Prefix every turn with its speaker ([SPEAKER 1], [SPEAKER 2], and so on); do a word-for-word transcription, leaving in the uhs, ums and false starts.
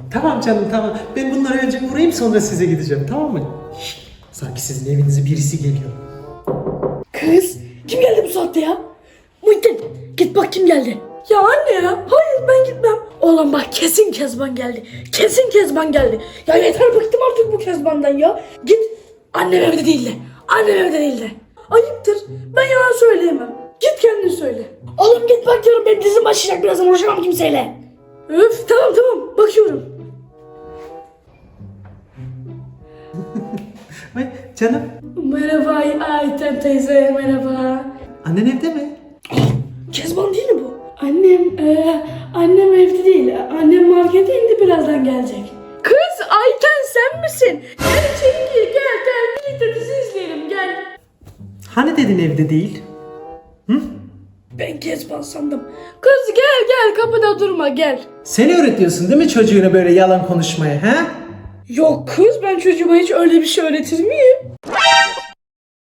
[SPEAKER 1] Tamam canım tamam. Ben bunları önce vurayım sonra size gideceğim, tamam mı? Şşt, sanki sizin evinize birisi geliyor.
[SPEAKER 2] Kız kim geldi bu saatte ya? Muhittin git bak kim geldi. Ya anne ya hayır ben gitmem. Oğlum bak kesin Kezban geldi. Kesin Kezban geldi. Ya yeter bıktım artık bu Kezban'dan ya. Git annem evde değil de. Annem evde değil de. Ayıptır ben yalan söyleyemem. Git kendin söyle. Oğlum git bak diyorum benim dizim başlayacak birazdan uğraşamam kimseyle. Öf tamam tamam bakıyorum.
[SPEAKER 1] Ay canım,
[SPEAKER 2] Merhaba Ayten teyze merhaba.
[SPEAKER 1] annen evde mi?
[SPEAKER 2] Kezban değil mi bu? Annem, e, annem evde değil. Annem markete indi birazdan gelecek. Kız Ayten sen misin? Gel içeri gir gel gel birlikte dizi izleyelim gel.
[SPEAKER 1] Hani dedin evde değil?
[SPEAKER 2] Ben Kezban sandım. Kız gel gel kapıda durma gel.
[SPEAKER 1] Sen öğretiyorsun değil mi çocuğuna böyle yalan konuşmayı, he?
[SPEAKER 2] Yok kız ben çocuğuma hiç öyle bir şey öğretir miyim?